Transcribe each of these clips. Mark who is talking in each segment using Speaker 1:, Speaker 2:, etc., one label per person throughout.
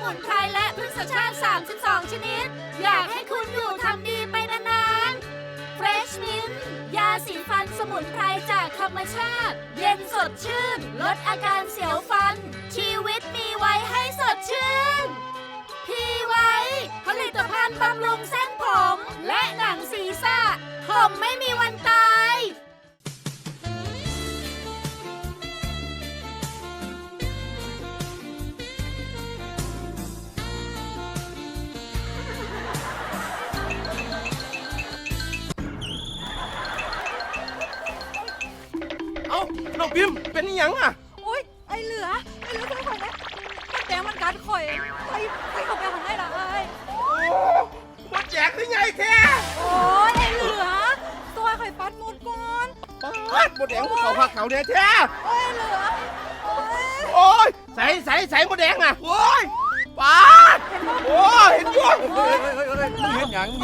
Speaker 1: มุนไพรและพืชชาติ32ชนิดอยากให้คุณอยู่ทำดีไปนานๆ Fresh Mint ยาสีฟันสมุนไพรจากธรรมชาติเย็นสดชื่นลดอาการเสียวฟันชีวิตมีไว้ให้สดชื่นพีไว้ผลิตภัณฑ์บำรุงเส้นผมและหนังศีรษะผมไม่มีวันตาย
Speaker 2: น้องพิมเป็นยังอ่ะ
Speaker 3: โอ๊ยไอเหลือช่วยข่อยนะมันแดงมันกัดข่อยไปเข้าไปข้างในละไอ้
Speaker 2: มาแจกได้ไงแท้
Speaker 3: โอ๊ยไอเหลือตัวข่อยปัดหมดก่อน
Speaker 2: ปัดหมดแดงเขาพักเขาเนี่ยแท้
Speaker 3: โอ๊ยเหลือ
Speaker 2: โอ๊ยใส่หมดแดงอ่ะโอ๊ยปัดโอ๊ยเห็นอยู่
Speaker 4: เห็นยัง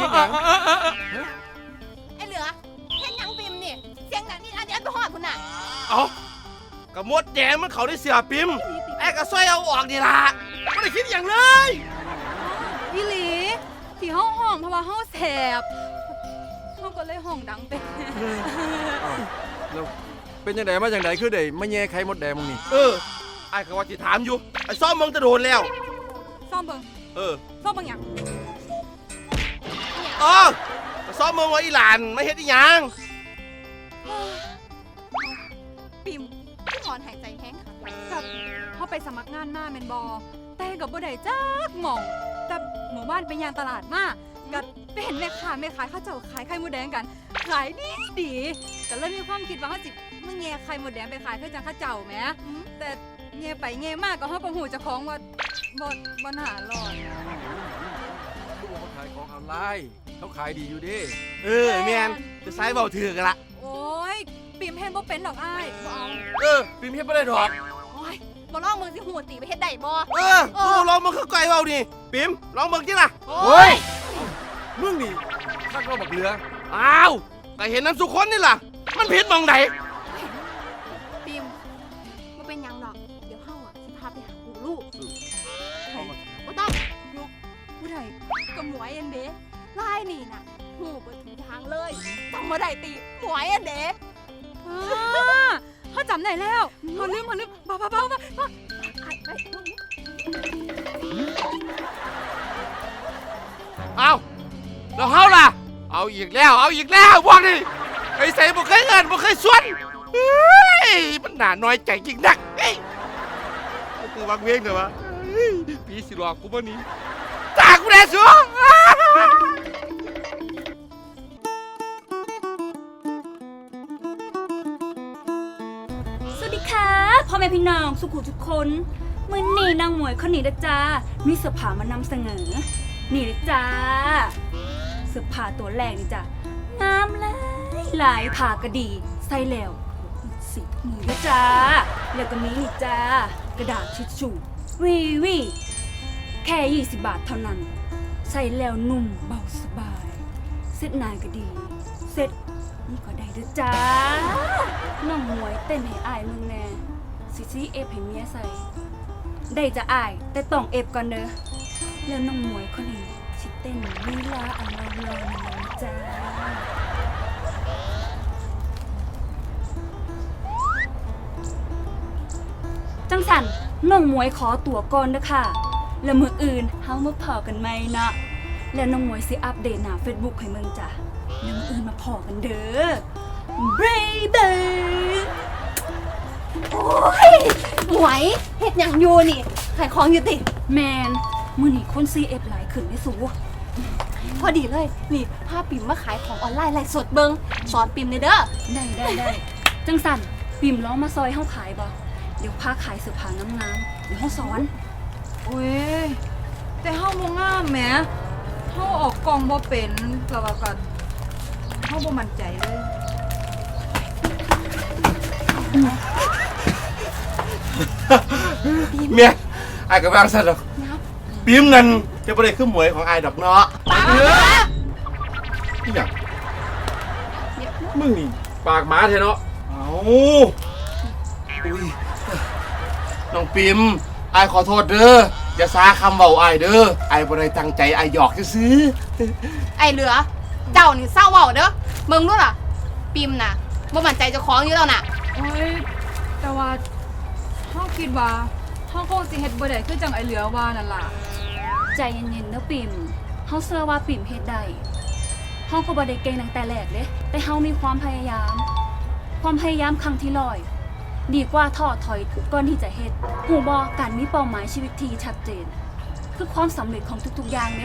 Speaker 5: ไอเหลือเห็นยังปิมนี่เสียงหนังนี่อันนี้อันไปหอดคุณน่ะ
Speaker 2: เอากระมดแดงมันเขาได้เสียปิมไอ้กระซอยเอาออกนี่ล่ะไม่ได้คิดอย่างเลย
Speaker 3: อีหลีที่ห้องเพราะว่าห้องแสบห้องก็เลยห้องดังเป็น
Speaker 4: แล้วเป็นยังไงมาอย่างไรคือได้มาแย่ไข่มดแดงมึงนี่
Speaker 2: ไอ้ก็ว่าจะถามอยู่ไอ้ซ่อมมึงจะโดนแล้ว
Speaker 3: ซ่อมเบิ่งซ่อมเบิ่งยัง
Speaker 2: ก็ซ่อมมึงว่าอีหลานไม่เฮ็ดอีหยัง
Speaker 3: ปิม
Speaker 5: พี่หอนหายใจแห้งค่ะ
Speaker 3: กับเขาไปสมัครงานหน้าแมนบอแต่กับบ่ได้จักหม่องแต่หมู่บ้านไปยางตลาดมากับไปเห็นแม่ค้าเขาเจ้าขายไข่มดแดงกันขายดีก็เลยมีความคิดว่าเขาจิมึงแง่ไข่มดแดงไปขายเพื่อจังข้าเจ้าแหมแต่แง่ไปแง่มากก็เขาก็หูจะคล้องว่าบ่หาหลอด
Speaker 4: ลูกเขาขายของออนไลน์เขาขายดีอยู่ดิ
Speaker 2: แมนจะใช้เบาถือกันละ
Speaker 3: โอ้ยปิมเห็นบ่เป็นดอกอ้ายบ่เอา
Speaker 2: ปิมเฮ็ดไม่ได้ดอก
Speaker 5: โอ้ยบ่ลองมึงสิหูตีไปเฮ็ดได้บ่
Speaker 2: ลองมึงคือไก่เบาดิปิมลองมึงจิล่ะ
Speaker 4: เฮ้ยมึงนี่ข้าก็บักเรือ
Speaker 2: อ้าวก็เห็นน้ำสุคนนี่ล่ะมันผิดมองไหน
Speaker 5: ปิมมันเป็นยังดอกเดี๋ยวเฮาสิพาไปหาปู่ลูกบ่ต้องลูก
Speaker 3: ผู้ใดก็หมวยอันเด้
Speaker 5: ลายนี่น่ะหูเบิดทุกทางเลยจำบ่ได้ติหมวยอันเด้
Speaker 3: เขาจำได้แล้วเขาลืมบ้า
Speaker 2: เอาแล้วเฮาล่ะเอาอีกแล้วพวกนี้ไอ้ใส่บ่เคยเงินบ่เคยส่วนมันหนาน้อยใจจริงนักกูวางเวงเถอะวะพี่สิหลอกกูบ่นี้ตากูแน่สัว
Speaker 1: สวัสดีค่ะพ่อแม่พี่น้องสุขุทุกคนมื้อนี้นางหมวยคนนี้นะจ้ามีเสื้อผ้ามานำเสนอนี่เลยจ้าเสื้อผ้าตัวแรกนี่จ้างามหลายผ้ากระดีใส่แล้วสีมือนะจ้าแล้วก็มีนี่จ้ากระดาษทิชชู่วีแค่20 บาทเท่านั้นใส่แล้วนุ่มเบาสบายเซ็ตนายก็ดีเซ็ตนี่ก็ได้ด้วยจ้าน้องหมวยเต้นให้อายมึงแน่ซีเอฟให้เมียใส่ได้จะอายแต่ต้องเอฟก่อนเด้อแล้วน้องหมวยคนนี้สิเต้นลีลาอันเราเลยจ้าจังสันน้องหมวยขอตั๋วก่อนเด้อค่ะแล้วมื้ออื่นเฮามาพอกันไหมนะแล้วน้องหมวยสิอัปเดตหน้า Facebook ให้มึงจ้ะแล้วมื้ออื่นมาพอกันเด้อbaby
Speaker 5: โอ้ยหมวยเฮ็ดหยังอยู่นี่ขายของอยู่ติ
Speaker 1: แมนมื้อนี้คน CF หลายขึ้นได้สู
Speaker 5: พอดีเลยนี่พาปิ่มมาขายของออนไลน์ไลฟ์สดเบิ่งสอนปิ่มเด้อ
Speaker 1: ได้จังสั่นปิ่มร้องมาซอยเฮาขายบ่เดี๋ยวพาขายเสื้อผ้างามๆเดี๋ยวเฮาสอน
Speaker 3: โอ้ยแต่เฮาบ่งามแหมเฮาออกกล้องบ่เป็นแล้วก็เฮาบ่มั่นใจเลย
Speaker 2: เมียไอ้กระบังสัตว์หรอกปิมนั่นจะบ่ได้ขึ้นหมวยของไอ้ดอกเนาะนี่หยัง
Speaker 4: มึงนี่ปากหมาแท้เนาะ
Speaker 2: น้องปิมไอ้ขอโทษเด้ออย่าซาคำเว้าอ้ายเด้ออ้ายบ่ได้ตั้งใจอ้ายหยอกซื่อ
Speaker 5: ไอ้เหลือ เจ้านี่เศร้าเว้าเด้อมึงรู้ล่ะปิมน่ะบ่มั่นใจเจ้าของอยู่แล้วน่ะ
Speaker 3: โอ้ยแต่ว่าเฮาคิดว่าเฮาคงสิเฮ็ดบ่ได้คือจังไอ้เหลือว่านั่นล่ะ
Speaker 1: ใจเย็นๆเด้อปิ่มเฮาเชื่อว่าปิ่มเฮ็ดได้เฮาก็บ่ได้เก่งตั้งแต่แรกเด้แต่เฮามีความพยายาม ความพยายามครั้งที่100ดีกว่าท้อถอยก่อนที่จะเฮ็ดฮู้บ่การมีเป้าหมายชีวิตที่ชัดเจน คือความสำเร็จของทุกๆอย่างเด้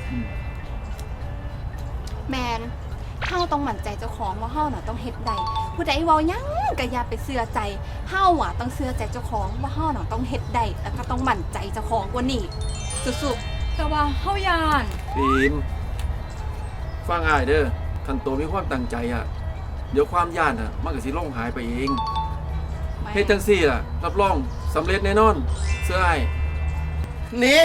Speaker 5: แมนเฮาต้องมั่นใจเจ้าของว่าเฮาน่ะต้องเฮ็ดได้ผู้ใดเว้าหยังก็อย่าไปเชื่อใจเฮาอ่ะต้องเชื่อใจเจ้าของว่าเฮาน่ะต้องเฮ็ดได้แล้วก็ต้องมั่นใจเจ้าของกว่านี้สุด
Speaker 3: แต่ว่าเฮาย่าน
Speaker 4: ปิมฟังอ้ายเด้อคันโตมีความตั้งใจอ่ะเดี๋ยวความย่านอ่ะมันก็สิลงหายไปเอง
Speaker 5: ๆ
Speaker 4: เฮ็ดจังซี่ล่ะรับรองสำเร็จแน่นอนเสื้ออ้าย
Speaker 2: ๆนี่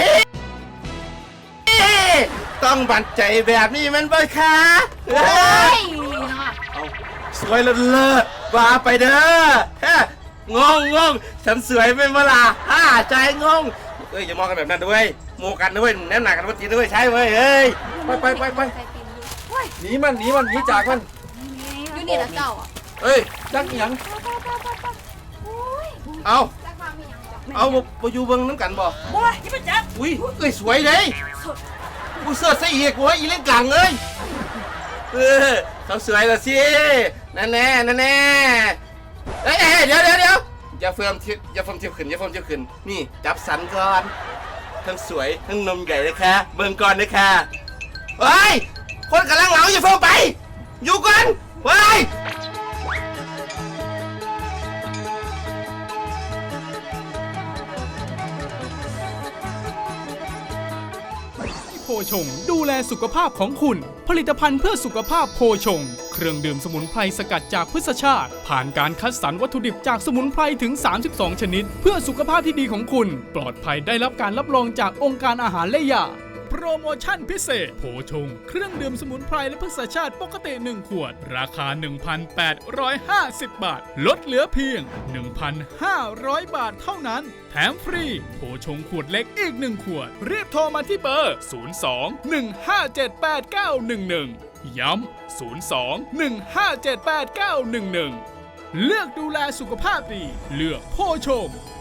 Speaker 2: ต้องบันใจแบบนี้มันบ่คะ
Speaker 5: โอ้ยเนาะ
Speaker 2: สวยเลิศว่าไปเด้อฮะงงฉันสวยไม่มาล่ะใจงงเอ้ยอย่ามองกันแบบนั้นด้วยโมกันด้วยแนมหนักกันว่าจีนด้วยใช่เว้ยเอ้ย
Speaker 4: ไป
Speaker 5: ใจปิมอยู่
Speaker 4: หนีมันหนีจากมัน
Speaker 5: อยู่นี่ละเจ้าอ่ะ
Speaker 4: เอ้ยจักอีหยัง
Speaker 2: เอา
Speaker 5: แต่ความมีหยังจ้ะ
Speaker 2: เอาบ่อยู่เบิ่งน้ำกันบ่
Speaker 1: โอ้ยอย่าไปจับ
Speaker 2: อุ้ยเอ้ยสวยเลยกูเสื้อใส่อีกโว้ยอีเล่นกลางเลยเขาสวยแล้วสินั่นแน่เอ้ยเดี๋ยวอย่าเฟิร์มทิอย่าเฟิร์มเที่ยวขึ้นนี่จับสันก่อนทั้งสวยทั้งนมใหญ่เลยค่ะเบิ่งก่อนเลยค่ะเฮ้ยคนกำลังเหงาอย่าเฟิร์มไปอยู่ก่อนเฮ้ย
Speaker 6: โพชงดูแลสุขภาพของคุณ ผลิตภัณฑ์เพื่อสุขภาพโพชง เครื่องดื่มสมุนไพรสกัดจากพืชชาติ ผ่านการคัดสรรวัตถุดิบจากสมุนไพรถึง 32 ชนิด เพื่อสุขภาพที่ดีของคุณ ปลอดภัยได้รับการรับรองจากองค์การอาหารและยา โปรโมชั่นพิเศษ โพชง เครื่องดื่มสมุนไพรและพืชชาติปกติ 1 ขวด ราคา 1,850 บาท ลดเหลือเพียง 1,500 บาทเท่านั้น แถมฟรี โพชงขวดเล็กอีก 1 ขวด รีบโทรมาที่เบอร์ 02-157-8911 ย้ำ 02-157-8911 เลือกดูแลสุขภาพดี เลือกโพชง